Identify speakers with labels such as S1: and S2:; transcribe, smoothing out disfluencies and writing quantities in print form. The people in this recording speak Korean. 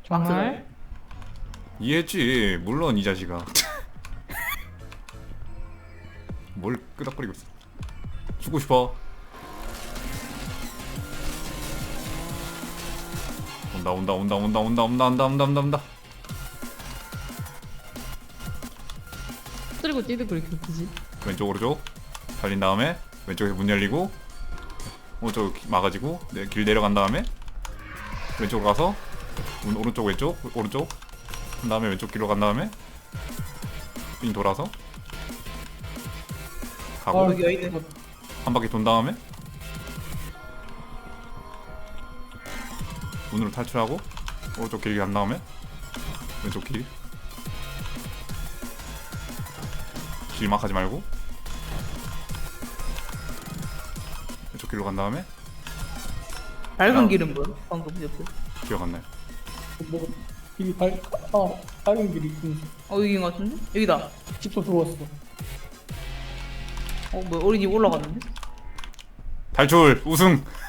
S1: 정말?
S2: 이해했지. 물론 이 자식아. 뭘 끄덕거리고 있어. 죽고 싶어. 온다.
S1: 쓰리고 뛰도 그렇게 웃기지?
S2: 왼쪽 오른쪽 달린 다음에 왼쪽에서 문 열리고 오른쪽 막아지고 길 내려간 다음에 왼쪽으로 가서 문 오른쪽 오른쪽 한 다음에 왼쪽 길로 간 다음에 빙 돌아서 가고
S1: 여기 있는
S2: 한 바퀴 돈 다음에 문으로 탈출하고 오른쪽 길 간 다음에 왼쪽 길 막 하지 말고 왼쪽 길로 간 다음에
S1: 밝은 길은 뭐야? 방금 옆에.
S2: 기억 안 나요.
S3: 뭐 길이 다른 길이 있군.
S1: 여기인 것 같은데? 여기다.
S3: 집도 들어왔어.
S1: 뭐야 어린이 올라갔는데?
S2: 탈출 우승.